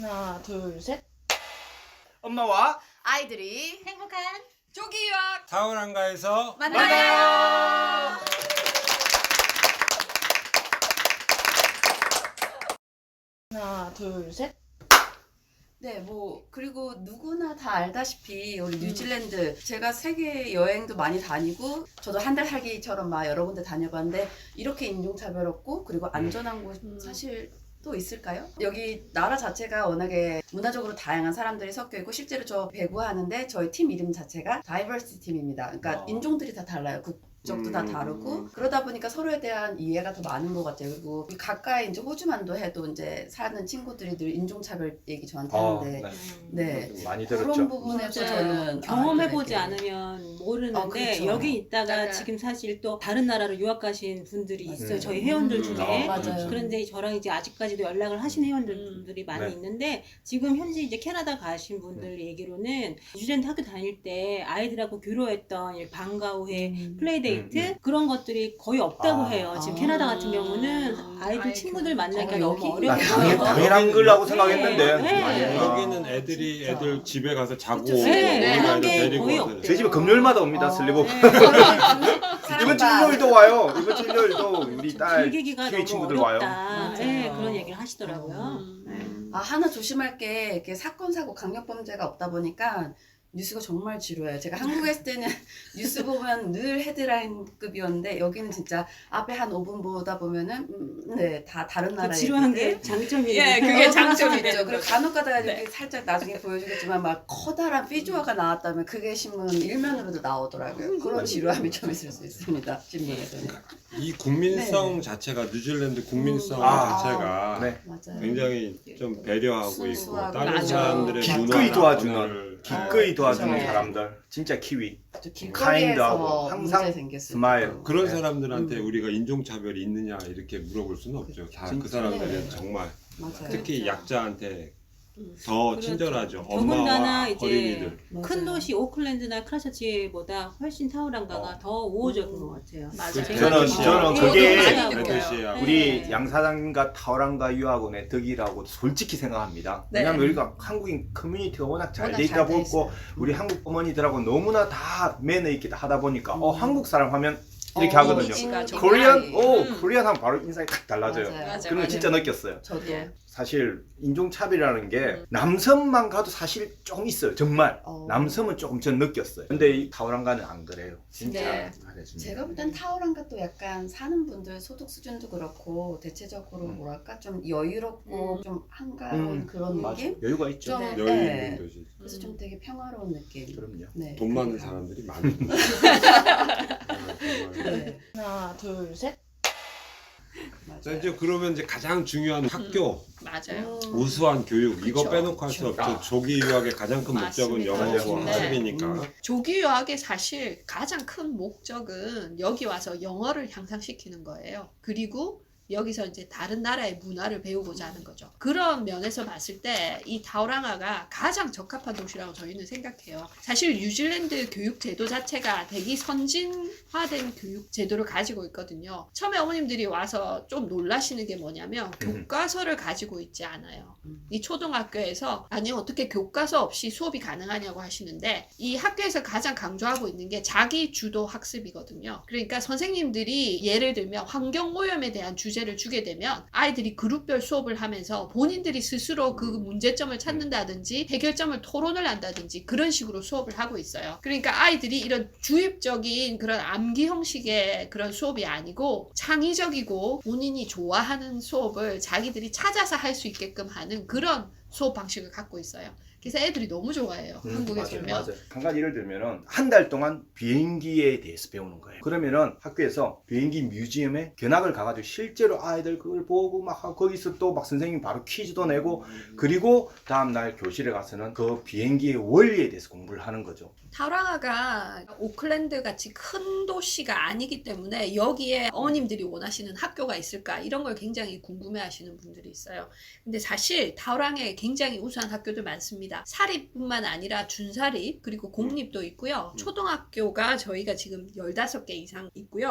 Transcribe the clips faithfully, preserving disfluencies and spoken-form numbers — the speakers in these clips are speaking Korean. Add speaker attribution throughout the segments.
Speaker 1: 하나, 둘, 셋.
Speaker 2: 엄마와
Speaker 3: 아이들이
Speaker 1: 행복한
Speaker 3: 조기 유학
Speaker 4: 타오랑가에서
Speaker 3: 만나요.
Speaker 1: 하나, 둘, 셋.
Speaker 3: 네, 뭐 그리고 누구나 다 알다시피 우리 뉴질랜드 제가 세계 여행도 많이 다니고 저도 한 달 살기처럼 막 여러 군데 다녀봤는데 이렇게 인종차별 없고 그리고 안전한 곳
Speaker 1: 음.
Speaker 3: 사실 또 있을까요? 여기 나라 자체가 워낙에 문화적으로 다양한 사람들이 섞여 있고 실제로 저 배구하는데 저희 팀 이름 자체가 다이버시티 팀입니다. 그러니까
Speaker 2: 어.
Speaker 3: 인종들이 다 달라요. 국적도
Speaker 2: 음.
Speaker 3: 다 다르고 그러다 보니까 서로에 대한 이해가 더 많은 것 같아요. 그리고 이 가까이 이제 호주만도 해도 이제 사는 친구들이 늘 인종차별 얘기 저한테
Speaker 2: 어,
Speaker 3: 하는데
Speaker 2: 네.
Speaker 3: 네.
Speaker 2: 많이
Speaker 3: 그런
Speaker 2: 들었죠.
Speaker 3: 부분에서
Speaker 5: 맞아요.
Speaker 3: 저는
Speaker 5: 경험해보지
Speaker 3: 아, 이렇게
Speaker 5: 않으면 모르는데
Speaker 3: 어, 그렇죠.
Speaker 5: 여기 있다가
Speaker 3: 맞아요.
Speaker 5: 지금 사실 또 다른 나라로 유학 가신 분들이
Speaker 3: 맞아요.
Speaker 5: 있어요. 저희 회원들
Speaker 3: 음,
Speaker 5: 중에.
Speaker 3: 아, 맞아요.
Speaker 5: 그런데 저랑 이제 아직까지도 연락을 하신 회원들이 많이
Speaker 2: 네.
Speaker 5: 있는데 지금 현재 이제 캐나다 가신 분들
Speaker 3: 네.
Speaker 5: 얘기로는 뉴질랜드 학교 다닐 때 아이들하고 교류했던 이 방과 후에
Speaker 3: 음.
Speaker 5: 플레이데이트
Speaker 2: 음, 음.
Speaker 5: 그런 것들이 거의 없다고
Speaker 2: 아.
Speaker 5: 해요. 지금
Speaker 3: 아.
Speaker 5: 캐나다 같은 경우는 아이들
Speaker 1: 아이,
Speaker 5: 친구들
Speaker 1: 그-
Speaker 5: 만나기가
Speaker 3: 어,
Speaker 5: 너무
Speaker 3: 여기?
Speaker 2: 나
Speaker 5: 어려워요.
Speaker 2: 당연,
Speaker 4: 어.
Speaker 2: 당연한 거라고
Speaker 5: 네.
Speaker 2: 생각했는데
Speaker 5: 네.
Speaker 2: 아니구나.
Speaker 4: 여기는 애들이
Speaker 3: 진짜.
Speaker 4: 애들 집에 가서 자고
Speaker 3: 그쵸,
Speaker 5: 네,
Speaker 4: 우리
Speaker 5: 그런
Speaker 4: 아이들
Speaker 5: 게
Speaker 4: 데리고
Speaker 5: 거의
Speaker 4: 와서
Speaker 5: 없대요.
Speaker 2: 저희 집에 금요일마다 옵니다.
Speaker 3: 어.
Speaker 2: 슬리브
Speaker 5: 네.
Speaker 2: 이번 주 일요일도 와요. 이번 주 일요일도 우리 딸
Speaker 5: 길게기가
Speaker 2: 키위
Speaker 5: 너무
Speaker 2: 친구들 와요.
Speaker 5: 어렵다. 네,
Speaker 3: 맞아요.
Speaker 5: 그런 얘기를 하시더라고요.
Speaker 1: 음.
Speaker 5: 네.
Speaker 3: 아 하나 조심할 게 이렇게 사건 사고 강력 범죄가 없다 보니까 뉴스가 정말 지루해요. 제가 한국에 있을 때는 뉴스 보면 늘 헤드라인급이었는데 여기는 진짜 앞에 한 오 분 보다 보면은 음, 네, 다 다른
Speaker 5: 그
Speaker 3: 나라의
Speaker 5: 지루한
Speaker 3: 얘기들.
Speaker 5: 게 장점이에요.
Speaker 1: 예, 그게 장점이
Speaker 3: 있죠.
Speaker 1: 되는
Speaker 3: 그리고
Speaker 1: 거죠.
Speaker 3: 간혹 가다가
Speaker 1: 네.
Speaker 3: 이렇게 살짝 나중에 보여주겠지만 막 커다란 피주화가 나왔다면 그게 신문 일면으로도 나오더라고요. 그런 지루함이 좀 있을 수 있습니다. 신문에서는.
Speaker 4: 이 국민성
Speaker 3: 네.
Speaker 4: 자체가 뉴질랜드 국민성
Speaker 3: 음. 아.
Speaker 4: 자체가
Speaker 2: 네.
Speaker 3: 맞아요.
Speaker 4: 굉장히 좀 배려하고 있고
Speaker 3: 순수하고.
Speaker 4: 다른
Speaker 1: 맞아.
Speaker 4: 사람들의
Speaker 2: 기꺼이
Speaker 4: 문화나
Speaker 2: 도와주는,
Speaker 4: 언어를
Speaker 2: 기꺼이 도와주는
Speaker 3: 그렇죠.
Speaker 2: 사람들 진짜 키위
Speaker 3: 또
Speaker 2: 카인드하고
Speaker 3: 길거리에서
Speaker 2: 항상
Speaker 3: 문제 생겼을
Speaker 2: 스마일.
Speaker 3: 때도.
Speaker 4: 그런
Speaker 2: 네.
Speaker 4: 사람들한테
Speaker 3: 음.
Speaker 4: 우리가 인종차별이 있느냐 이렇게 물어볼 수는 없죠. 다 그
Speaker 2: 진짜.
Speaker 4: 사람들은
Speaker 3: 네.
Speaker 4: 정말
Speaker 3: 맞아요.
Speaker 4: 특히
Speaker 5: 그렇죠.
Speaker 4: 약자한테
Speaker 5: 음.
Speaker 4: 더
Speaker 5: 그렇죠.
Speaker 4: 친절하죠.
Speaker 5: 더군다나
Speaker 4: 엄마와
Speaker 5: 이제
Speaker 4: 어린이들.
Speaker 3: 맞아요.
Speaker 5: 큰 도시 오클랜드나 크라처치보다 훨씬 타우랑가가
Speaker 2: 어.
Speaker 5: 더 우호적인
Speaker 3: 음.
Speaker 5: 것 같아요.
Speaker 1: 맞아요.
Speaker 4: 그
Speaker 5: 제가
Speaker 2: 저는-
Speaker 5: 좀-
Speaker 2: 저는
Speaker 5: 예,
Speaker 2: 그게
Speaker 5: 예,
Speaker 1: 많이
Speaker 5: 예.
Speaker 1: 느껴요.
Speaker 4: 아저씨하고
Speaker 2: 우리
Speaker 5: 네.
Speaker 2: 양사장과 타오랑가 유학원의 덕이라고 솔직히 생각합니다.
Speaker 1: 네.
Speaker 2: 왜냐하면 우리가 한국인 커뮤니티가 워낙 잘
Speaker 3: 워낙
Speaker 2: 돼 있다
Speaker 3: 잘 돼
Speaker 2: 보고
Speaker 3: 있어요.
Speaker 2: 우리 한국 어머니들하고 너무나 다 매너 있게 하다 보니까 어
Speaker 3: 음.
Speaker 2: 한국 사람 하면 이렇게
Speaker 3: 어,
Speaker 2: 하거든요.
Speaker 1: 이미지가 좀
Speaker 2: 코리안 오
Speaker 1: 음.
Speaker 2: 코리안 하면 바로 인상이 탁 달라져요.
Speaker 3: 맞아요.
Speaker 1: 맞아요.
Speaker 2: 그런 거 진짜 느꼈어요.
Speaker 3: 저도
Speaker 1: 예.
Speaker 2: 사실 인종차별이라는 게
Speaker 1: 음.
Speaker 2: 남성만 가도 사실 조금 있어요. 정말
Speaker 3: 어.
Speaker 2: 남성은 조금 전 느꼈어요. 근데 이 타오랑가는 안 그래요. 진짜
Speaker 1: 네.
Speaker 2: 잘해줍니다.
Speaker 3: 제가 볼 땐 타오랑가 또 약간 사는 분들 소득 수준도 그렇고 대체적으로
Speaker 2: 음.
Speaker 3: 뭐랄까 좀 여유롭고
Speaker 1: 음.
Speaker 3: 좀 한가로운
Speaker 2: 음.
Speaker 3: 그런
Speaker 2: 맞아.
Speaker 3: 느낌?
Speaker 2: 여유가 있죠.
Speaker 3: 좀
Speaker 1: 네.
Speaker 4: 여유
Speaker 3: 네.
Speaker 4: 있는 도시.
Speaker 3: 그래서 좀 되게 평화로운 느낌.
Speaker 2: 그럼요.
Speaker 3: 네.
Speaker 4: 돈 많은
Speaker 3: 그러니까.
Speaker 4: 사람들이 많은
Speaker 3: 네.
Speaker 1: 하나, 둘, 셋.
Speaker 3: 맞아요.
Speaker 4: 자 이제 그러면 이제 가장 중요한 학교
Speaker 1: 맞아요.
Speaker 3: 음.
Speaker 4: 우수한 교육 이거
Speaker 1: 그쵸.
Speaker 4: 빼놓고 할 수
Speaker 2: 그쵸.
Speaker 4: 없죠. 조기 유학의 가장 큰 목적은
Speaker 1: 맞습니다.
Speaker 4: 영어고
Speaker 2: 네.
Speaker 4: 학습이니까.
Speaker 3: 음.
Speaker 1: 조기 유학의 사실 가장 큰 목적은 여기 와서 영어를 향상시키는 거예요. 그리고 여기서 이제 다른 나라의 문화를 배우고자 하는 거죠. 그런 면에서 봤을 때 이 타우랑아가 가장 적합한 도시라고 저희는 생각해요. 사실 뉴질랜드 교육 제도 자체가 되게 선진화된 교육 제도를 가지고 있거든요. 처음에 어머님들이 와서 좀 놀라시는 게 뭐냐면
Speaker 2: 음.
Speaker 1: 교과서를 가지고 있지 않아요.
Speaker 3: 음.
Speaker 1: 이 초등학교에서 아니 어떻게 교과서 없이 수업이 가능하냐고 하시는데 이 학교에서 가장 강조하고 있는 게 자기 주도 학습이거든요. 그러니까 선생님들이 예를 들면 환경 오염에 대한 주제를 주게 되면 아이들이 그룹별 수업을 하면서 본인들이 스스로 그 문제점을 찾는다든지 해결점을 토론을 한다든지 그런 식으로 수업을 하고 있어요. 그러니까 아이들이 이런 주입적인 그런 암기 형식의 그런 수업이 아니고 창의적이고 본인이 좋아하는 수업을 자기들이 찾아서 할 수 있게끔 하는 그런 수업 방식을 갖고 있어요. 그래서 애들이 너무 좋아해요.
Speaker 2: 음,
Speaker 1: 한국에서
Speaker 2: 맞아요,
Speaker 1: 오면.
Speaker 2: 맞아요. 한 가지 예를 들면은 한 달 동안 비행기에 대해서 배우는 거예요. 그러면은 학교에서 비행기 뮤지엄에 견학을 가가지고 실제로 아이들 그걸 보고 막 하고 거기서 또 막 선생님 바로 퀴즈도 내고 그리고 다음날 교실에 가서는 그 비행기의 원리에 대해서 공부를 하는 거죠.
Speaker 1: 타우랑아가 오클랜드 같이 큰 도시가 아니기 때문에 여기에 어머님들이 원하시는 학교가 있을까 이런 걸 굉장히 궁금해 하시는 분들이 있어요. 근데 사실 타우랑에 굉장히 우수한 학교들 많습니다. 사립뿐만 아니라 준사립 그리고 공립도 있고요. 초등학교가 저희가 지금 열다섯 개 이상 있고요.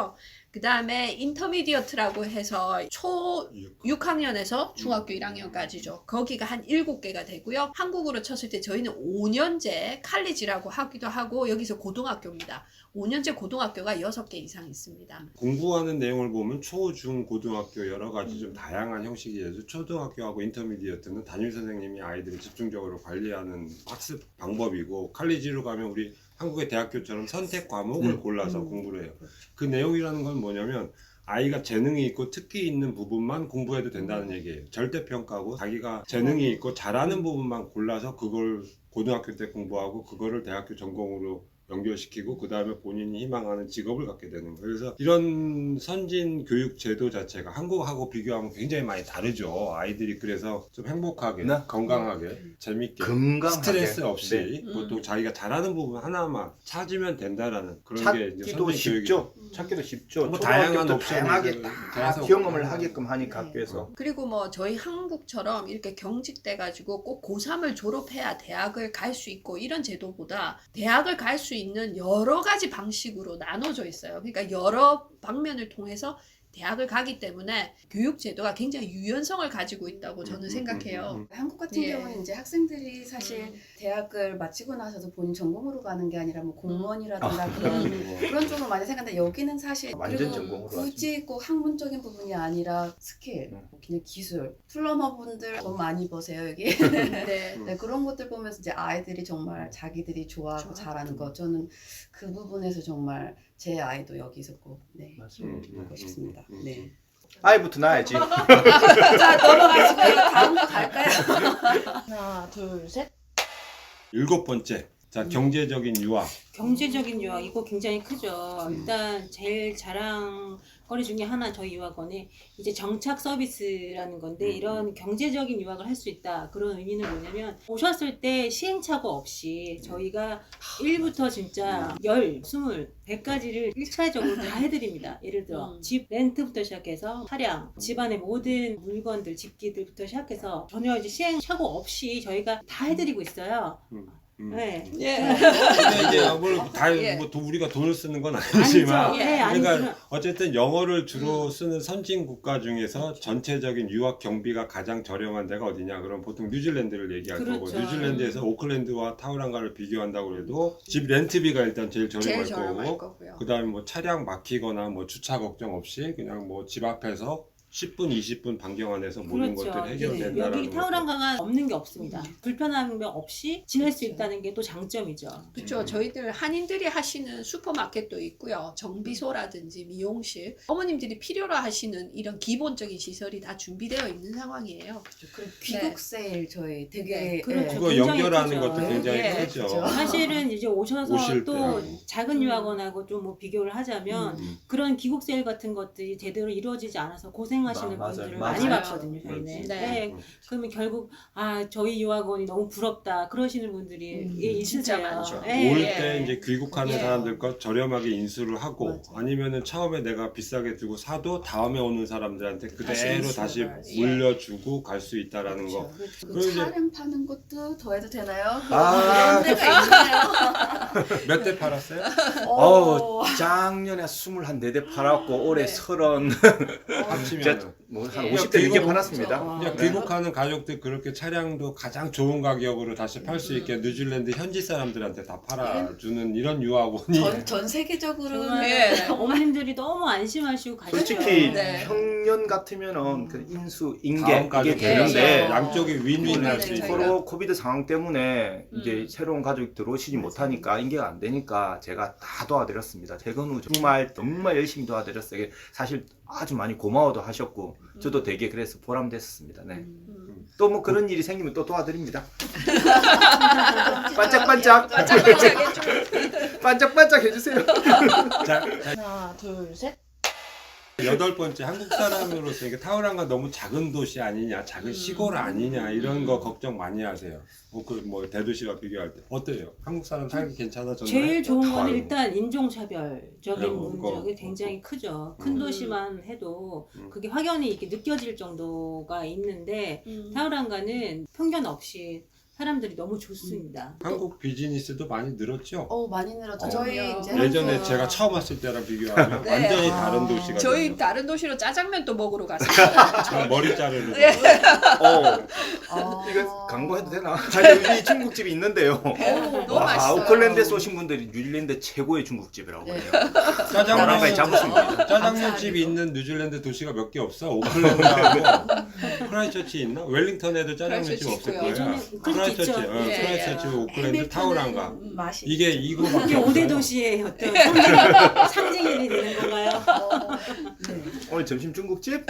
Speaker 1: 그 다음에 인터미디어트라고 해서 초 육 학년에서 중학교 일 학년까지죠. 거기가 한 일곱 개가 되고요. 한국으로 쳤을 때 저희는 오 년제 칼리지라고 하기도 하고 여기서 고등학교입니다. 오 년제 고등학교가 여섯 개 이상 있습니다.
Speaker 4: 공부하는 내용을 보면 초, 중, 고등학교 여러 가지
Speaker 1: 음.
Speaker 4: 좀 다양한 형식이 있어서 초등학교하고 인터미디어트는 담임 선생님이 아이들을 집중적으로 관리하는 학습 방법이고 칼리지로 가면 우리 한국의 대학교처럼 선택 과목을
Speaker 2: 음.
Speaker 4: 골라서
Speaker 3: 음.
Speaker 4: 공부를 해요. 그 내용이라는 건 뭐냐면 아이가 재능이 있고 특기 있는 부분만 공부해도 된다는 얘기예요. 절대평가고 자기가 재능이 있고 잘하는 부분만 골라서 그걸 고등학교 때 공부하고 그거를 대학교 전공으로 연결시키고 그 다음에 본인이 희망하는 직업을 갖게 되는 거예요. 그래서 이런 선진 교육 제도 자체가 한국하고 비교하면 굉장히 많이 다르죠. 아이들이 그래서 좀 행복하게,
Speaker 2: 네.
Speaker 4: 건강하게, 재밌게,
Speaker 2: 건강하게.
Speaker 4: 스트레스 없이
Speaker 2: 네.
Speaker 4: 보통
Speaker 1: 음.
Speaker 4: 자기가 잘하는 부분 하나만 찾으면 된다라는 그런 게 이제
Speaker 2: 찾기도
Speaker 4: 선진 교육이죠.
Speaker 2: 쉽죠. 찾기도 쉽죠.
Speaker 4: 뭐
Speaker 2: 초등학교
Speaker 4: 다양한
Speaker 2: 때
Speaker 4: 옵션을
Speaker 2: 다양하게
Speaker 4: 계속
Speaker 2: 다
Speaker 4: 계속
Speaker 2: 경험을
Speaker 4: 하고.
Speaker 2: 하게끔 하니까
Speaker 3: 네.
Speaker 2: 학교에서.
Speaker 1: 그리고 뭐 저희 한국처럼 이렇게 경직돼가지고 꼭 고삼을 졸업해야 대학을 갈 수 있고 이런 제도보다 대학을 갈 수 있는 여러 가지 방식으로 나눠져 있어요. 그러니까 여러 방면을 통해서 대학을 가기 때문에 교육 제도가 굉장히 유연성을 가지고 있다고 저는
Speaker 4: 음, 음,
Speaker 1: 생각해요.
Speaker 4: 음, 음.
Speaker 3: 한국 같은
Speaker 1: 예.
Speaker 3: 경우는 이제 학생들이 사실
Speaker 1: 음.
Speaker 3: 대학을 마치고 나서도 본인 전공으로 가는 게 아니라 뭐 공무원이라든가
Speaker 2: 아.
Speaker 3: 그런
Speaker 1: 음.
Speaker 3: 그런 쪽으로 많이 생각하는데 여기는 사실
Speaker 2: 완전
Speaker 3: 그리고
Speaker 2: 전공으로
Speaker 3: 굳이 꼭 학문적인 부분이 아니라 스킬,
Speaker 2: 음.
Speaker 3: 그냥 기술, 플러머분들 돈 많이 버세요 여기.
Speaker 1: 네.
Speaker 3: 네, 그런 것들 보면서 이제 아이들이 정말 자기들이 좋아하고
Speaker 1: 좋아하고.
Speaker 3: 잘하는 거 저는 그 부분에서 정말 제 아이도 여기서 꼭 네,
Speaker 2: 맞습니다.
Speaker 4: 음, 음,
Speaker 3: 하고 싶습니다.
Speaker 4: 음, 음,
Speaker 3: 네.
Speaker 4: 음.
Speaker 2: 아이부터 낳아야지.
Speaker 3: 자 넘어가시고요. 다음 거 갈까요?
Speaker 5: 하나, 둘, 셋.
Speaker 4: 일곱 번째, 자 경제적인 유학.
Speaker 5: 경제적인 유학 이거 굉장히 크죠. 일단 제일 자랑거리 중에 하나 저희 유학원에 이제 정착 서비스라는 건데
Speaker 4: 음.
Speaker 5: 이런 경제적인 유학을 할 수 있다. 그런 의미는 뭐냐면 오셨을 때 시행착오 없이 저희가 일부터 진짜 열, 스물, 백까지를 일차적으로 다 해드립니다. 예를 들어
Speaker 1: 음.
Speaker 5: 집 렌트부터 시작해서 차량, 집안의 모든 물건들, 집기들부터 시작해서 전혀 이제 시행착오 없이 저희가 다 해드리고 있어요.
Speaker 4: 음.
Speaker 5: 네.
Speaker 1: 예.
Speaker 4: 근데 이제 뭐 다
Speaker 1: 예.
Speaker 4: 뭐 도- 우리가 돈을 쓰는 건 아니지만
Speaker 5: 아니죠. 네,
Speaker 4: 그러니까
Speaker 5: 아니지만
Speaker 4: 어쨌든 영어를 주로 쓰는 선진 국가 중에서 전체적인 유학 경비가 가장 저렴한 데가 어디냐 그럼 보통 뉴질랜드를 얘기할 거고
Speaker 5: 그렇죠.
Speaker 4: 뉴질랜드에서 오클랜드와 타우랑가를 비교한다고 해도 집 렌트비가 일단 제일 저렴할
Speaker 1: 제일 저렴할
Speaker 4: 거고
Speaker 1: 거고요.
Speaker 4: 그다음에 뭐 차량 막히거나 뭐 주차 걱정 없이 그냥 뭐 집 앞에서 십 분, 이십 분 반경 안에서 모든
Speaker 5: 그렇죠.
Speaker 4: 것들이
Speaker 5: 네.
Speaker 4: 해결된다라는
Speaker 5: 여기 타우랑가가 없는 게 없습니다. 불편한 명 없이 지낼 수 있다는 게 또 장점이죠.
Speaker 1: 그렇죠.
Speaker 4: 음.
Speaker 1: 저희들 한인들이 하시는 슈퍼마켓도 있고요. 정비소라든지 미용실, 어머님들이 필요로 하시는 이런 기본적인 시설이 다 준비되어 있는 상황이에요.
Speaker 3: 그리고 귀국 세일 저희 되게
Speaker 1: 네,
Speaker 5: 그렇죠.
Speaker 3: 예.
Speaker 4: 그거
Speaker 5: 굉장히
Speaker 4: 연결하는
Speaker 5: 크죠.
Speaker 4: 것도 굉장히
Speaker 1: 예,
Speaker 4: 크죠.
Speaker 3: 그렇죠.
Speaker 5: 사실은 이제 오셔서
Speaker 4: 오실
Speaker 5: 또
Speaker 4: 때.
Speaker 5: 작은
Speaker 1: 음.
Speaker 5: 유학원하고 좀 뭐 비교를 하자면
Speaker 4: 음.
Speaker 5: 그런 귀국 세일 같은 것들이 제대로 이루어지지 않아서 고생하시는
Speaker 2: 마- 맞아요.
Speaker 5: 분들을
Speaker 2: 맞아요.
Speaker 5: 많이 봤거든요.
Speaker 4: 그렇지.
Speaker 5: 저희는.
Speaker 1: 네.
Speaker 5: 네. 그러면 결국 아 저희 유학원이 너무 부럽다 그러시는 분들이
Speaker 3: 음,
Speaker 5: 예, 있으세요.
Speaker 1: 진짜 많죠.
Speaker 5: 예.
Speaker 4: 올
Speaker 1: 예.
Speaker 4: 때 이제 귀국하는
Speaker 1: 예.
Speaker 4: 사람들과 저렴하게 인수를 하고
Speaker 3: 맞아.
Speaker 4: 아니면은 처음에 내가 비싸게 주고 사도 다음에 오는 사람들한테
Speaker 3: 다시
Speaker 4: 그대로
Speaker 3: 인수를
Speaker 4: 다시
Speaker 3: 하지.
Speaker 4: 물려주고 갈 수 있다라는
Speaker 3: 그렇죠.
Speaker 4: 거.
Speaker 3: 그
Speaker 4: 그리고 이제-
Speaker 3: 차량 파는 것도 더 해도 되나요?
Speaker 2: 아.
Speaker 3: 그런 데가 있나요?
Speaker 4: 몇 대 팔았어요?
Speaker 2: 어, 작년에 스물네 대 팔았고 올해
Speaker 1: 네.
Speaker 2: 서른
Speaker 4: 합치면
Speaker 2: 뭐한
Speaker 1: 예.
Speaker 2: 오십 대 넘게
Speaker 4: 귀국-
Speaker 2: 팔았습니다.
Speaker 3: 어.
Speaker 4: 그냥
Speaker 2: 네.
Speaker 4: 귀국하는 가족들 그렇게 차량도 가장 좋은 가격으로 다시 팔 수 있게 뉴질랜드 현지 사람들한테 다 팔아주는 이런 유학원이
Speaker 3: 전, 전 세계적으로
Speaker 5: 정말
Speaker 1: 예.
Speaker 5: 어머님들이 너무 안심하시고 가시죠.
Speaker 2: 솔직히
Speaker 1: 네.
Speaker 2: 평년 같으면은 그 인수 인계
Speaker 4: 다음
Speaker 2: 이게
Speaker 4: 가족
Speaker 2: 되는데
Speaker 1: 예.
Speaker 4: 양쪽이 윈윈 할 수
Speaker 1: 윈윈을
Speaker 4: 있고
Speaker 1: 저희가-
Speaker 2: 코로 코비드 상황 때문에
Speaker 1: 음.
Speaker 2: 이제 새로운 가족이 들어오시지 못하니까 인계가 안 되니까 제가 다 도와드렸습니다. 퇴근 후 정말 정말 열심히 도와드렸어요. 사실 아주 많이 고마워도 하셨고 저도 되게 그래서 보람됐었습니다. 네.
Speaker 1: 음.
Speaker 2: 또 뭐 그런 일이 생기면 또 도와드립니다. 반짝반짝
Speaker 1: 반짝반짝해줘.
Speaker 2: 반짝반짝 해주세요.
Speaker 4: 자,
Speaker 5: 하나, 둘, 셋.
Speaker 4: 여덟 번째 한국 사람으로서 이게 타우랑가 너무 작은 도시 아니냐, 작은 시골 아니냐 이런 거 걱정 많이 하세요. 뭐 그 뭐 대도시와 비교할 때 어때요? 한국 사람 살기 괜찮아졌나요?
Speaker 5: 제일 좋은 거는
Speaker 4: 아유.
Speaker 5: 일단 인종차별적인
Speaker 4: 네, 그거.
Speaker 5: 문제가 굉장히 크죠. 큰
Speaker 1: 음.
Speaker 5: 도시만 해도
Speaker 4: 음.
Speaker 5: 그게 확연히 이렇게 느껴질 정도가 있는데
Speaker 1: 음.
Speaker 5: 타우랑가는 편견 없이 사람들이 너무 좋습니다.
Speaker 4: 한국 비즈니스도 많이 늘었죠.
Speaker 3: 어 많이 늘었죠.
Speaker 4: 어.
Speaker 3: 저희 이제
Speaker 4: 예전에
Speaker 3: 한국-
Speaker 4: 제가 처음 왔을 때랑 비교하면
Speaker 1: 네.
Speaker 4: 완전히 다른 도시가
Speaker 1: 저희
Speaker 4: 됐죠.
Speaker 1: 다른 도시로 짜장면 또 먹으러 갔어요.
Speaker 4: 저 머리 자르는
Speaker 1: 네.
Speaker 2: 어,
Speaker 3: 아.
Speaker 2: 이거 광고해도 되나? 아니, 여기 중국집이 있는데요.
Speaker 3: 어,
Speaker 1: 너무
Speaker 2: 와,
Speaker 1: 맛있어요.
Speaker 2: 오클랜드에 쏘신 분들이 뉴질랜드 최고의 중국집이라고
Speaker 3: 네.
Speaker 2: 그래요.
Speaker 4: 짜장면
Speaker 2: 나라까지 잡으십니다.
Speaker 4: 짜장면 집이 있는 뉴질랜드 도시가 몇 개 없어. 오클랜드하고 크라이처치 있나? 웰링턴에도 짜장면 집
Speaker 1: 크라이처치
Speaker 4: 없을
Speaker 1: 있고요.
Speaker 4: 거예요.
Speaker 5: 예전에 그것도
Speaker 4: 크라이처치,
Speaker 5: 있죠.
Speaker 4: 어,
Speaker 1: 예,
Speaker 4: 크라이처치,
Speaker 1: 예.
Speaker 4: 오클랜드,
Speaker 3: 해밀턴은
Speaker 4: 타우란가.
Speaker 3: 맛이
Speaker 4: 이게
Speaker 3: 있죠.
Speaker 4: 이거밖에
Speaker 5: 이게 오 대
Speaker 4: 없어요.
Speaker 5: 도시의 어떤 상징, 상징이 되는 건가요?
Speaker 3: 어, 네.
Speaker 2: 오늘 점심 중국집?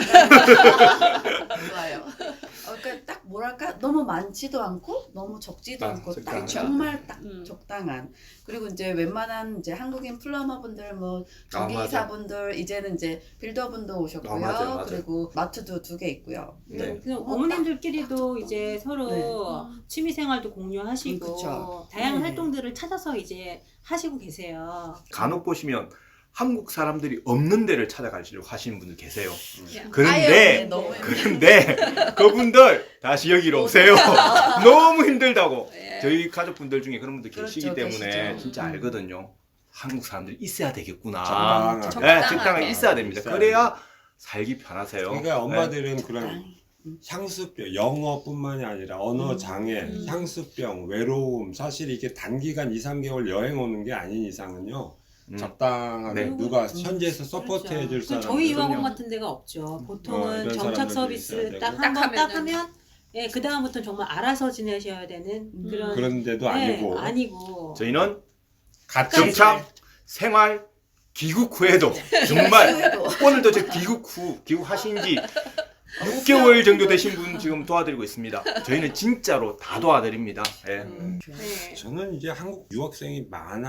Speaker 3: 좋아요. 어, 그러니까 딱 뭐랄까 너무 많지도 않고 너무 적지도
Speaker 2: 아,
Speaker 3: 않고 딱
Speaker 2: 적당한.
Speaker 3: 정말 딱
Speaker 1: 음.
Speaker 3: 적당한. 그리고 이제 웬만한 이제 한국인 플러머분들 뭐 전기기사분들 이제는 이제 빌더분도 오셨고요.
Speaker 2: 아, 맞아요, 맞아요.
Speaker 3: 그리고 마트도 두 개 있고요.
Speaker 2: 네.
Speaker 5: 그래서 어머님들끼리도 이제 서로
Speaker 3: 네.
Speaker 5: 취미 생활도 공유하시고
Speaker 3: 음, 그쵸.
Speaker 5: 다양한
Speaker 3: 네.
Speaker 5: 활동들을 찾아서 이제 하시고 계세요.
Speaker 2: 간혹 보시면 한국 사람들이 없는 데를 찾아가시려고 하시는 분들 계세요.
Speaker 1: 그냥
Speaker 2: 그런데
Speaker 1: 아예
Speaker 3: 너무
Speaker 1: 없는
Speaker 2: 그런데 그분들 다시 여기로 오세요. 너무 힘들다고.
Speaker 1: 예.
Speaker 2: 저희 가족분들 중에 그런 분들 계시기
Speaker 3: 그렇죠,
Speaker 2: 때문에
Speaker 3: 계시죠.
Speaker 2: 진짜
Speaker 3: 음.
Speaker 2: 알거든요. 한국 사람들이 있어야 되겠구나.
Speaker 4: 적당하게.
Speaker 2: 네,
Speaker 1: 적당하게.
Speaker 2: 적당하게 있어야 됩니다.
Speaker 4: 있어야
Speaker 2: 그래야 살기 편하세요.
Speaker 4: 그러니까
Speaker 2: 네.
Speaker 4: 엄마들은 그런
Speaker 3: 적당히.
Speaker 4: 향수병, 영어뿐만이 아니라 언어
Speaker 3: 음.
Speaker 4: 장애,
Speaker 1: 음.
Speaker 4: 향수병, 외로움, 사실 이게 단기간 이, 삼 개월 여행 오는 게 아닌 이상은요.
Speaker 2: 음.
Speaker 4: 적당하게
Speaker 2: 네.
Speaker 4: 누가
Speaker 3: 음.
Speaker 4: 현지에서 서포트
Speaker 5: 그렇죠.
Speaker 4: 해줄
Speaker 5: 그
Speaker 4: 사람.
Speaker 5: 저희 유학원
Speaker 2: 그럼요.
Speaker 5: 같은 데가 없죠.
Speaker 4: 어,
Speaker 5: 보통은
Speaker 4: 이런
Speaker 5: 정착
Speaker 4: 사람들도
Speaker 5: 서비스
Speaker 4: 있어야
Speaker 5: 딱
Speaker 4: 되고.
Speaker 5: 한 번 딱
Speaker 1: 하면은-
Speaker 5: 하면 예, 그 다음부터는 정말 알아서 지내셔야 되는
Speaker 3: 음.
Speaker 5: 그런
Speaker 4: 그런 데도
Speaker 5: 예,
Speaker 4: 아니고
Speaker 5: 아니고
Speaker 2: 저희는
Speaker 4: 같이
Speaker 2: 정착, 생활, 귀국 후에도 정말
Speaker 3: 후회도.
Speaker 2: 오늘도 저 귀국 후 귀국하신 지 육 개월 정도 되신 분 지금 도와드리고 있습니다. 저희는 진짜로 다 도와드립니다. 예.
Speaker 3: 음.
Speaker 5: 네.
Speaker 4: 저는 이제 한국 유학생이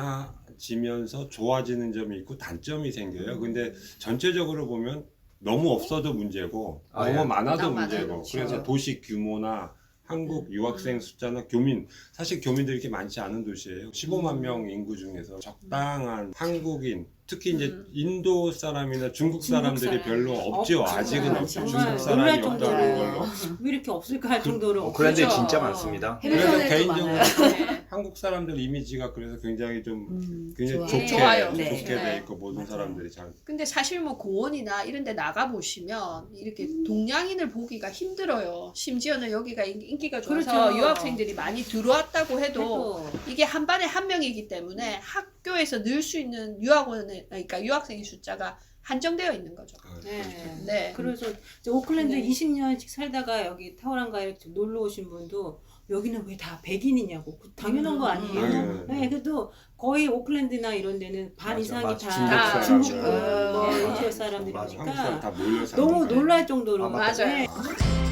Speaker 4: 많아지면서 좋아지는 점이 있고 단점이 생겨요. 근데 전체적으로 보면 너무 없어도 문제고
Speaker 2: 아,
Speaker 4: 너무
Speaker 2: 예.
Speaker 4: 많아도
Speaker 1: 너무
Speaker 4: 문제고
Speaker 1: 많아도
Speaker 4: 그래서
Speaker 1: 그렇죠.
Speaker 4: 도시 규모나 한국 유학생 숫자나 교민 사실 교민들이 이렇게 많지 않은 도시예요. 십오만 명 인구 중에서 적당한 한국인 특히 이제
Speaker 1: 음.
Speaker 4: 인도 사람이나 중국
Speaker 5: 중국
Speaker 4: 사람들이
Speaker 5: 사람.
Speaker 4: 별로 없죠.
Speaker 5: 없죠.
Speaker 4: 아직은 없죠.
Speaker 5: 정말
Speaker 4: 중국
Speaker 5: 놀랄
Speaker 4: 사람이 없다는
Speaker 5: 정도로.
Speaker 4: 걸로.
Speaker 5: 왜 이렇게 없을까 할 정도로
Speaker 2: 오클랜드에
Speaker 1: 그렇죠.
Speaker 2: 진짜 많습니다.
Speaker 4: 그래서
Speaker 3: 해밀턴에도
Speaker 4: 개인적으로
Speaker 3: 많아요.
Speaker 1: 네.
Speaker 4: 한국 사람들 이미지가 그래서 굉장히 좀
Speaker 3: 음,
Speaker 4: 굉장히
Speaker 3: 좋아요.
Speaker 4: 좋게
Speaker 1: 좋아요.
Speaker 3: 네.
Speaker 4: 좋게
Speaker 1: 네.
Speaker 4: 돼 있고 모든
Speaker 3: 맞아요.
Speaker 4: 사람들이 잘
Speaker 1: 근데 사실 뭐 공원이나 이런 데 나가 보시면 이렇게 동양인을 보기가 힘들어요. 심지어는 여기가 인- 인기가 좋아서
Speaker 5: 그렇죠.
Speaker 1: 유학생들이 많이 들어왔다고 해도
Speaker 5: 해도
Speaker 1: 이게 한 반에 한 명이기 때문에 학교에서 늘 수 있는 유학원의 그러니까 유학생의 숫자가 한정되어 있는 거죠.
Speaker 4: 아,
Speaker 5: 네.
Speaker 1: 네.
Speaker 5: 그래서 이제 오클랜드
Speaker 1: 네.
Speaker 5: 이십 년씩 살다가 여기 타워랑가에 놀러 오신 분도 여기는 왜 다 백인이냐고 그 당연한 거 아니에요?
Speaker 4: 당연해요.
Speaker 5: 네, 그래도 거의 오클랜드나 이런 데는 반
Speaker 2: 맞아,
Speaker 5: 이상이
Speaker 2: 맞아.
Speaker 5: 다
Speaker 1: 중국
Speaker 5: 중국
Speaker 1: 사람이죠.
Speaker 5: 뭐
Speaker 3: 네.
Speaker 5: 인도
Speaker 2: 맞아.
Speaker 5: 사람들이니까
Speaker 4: 한국 사람 다 몰려 사는
Speaker 5: 너무
Speaker 4: 거예요.
Speaker 5: 놀랄 정도로
Speaker 2: 아,
Speaker 1: 맞아요.
Speaker 5: 네.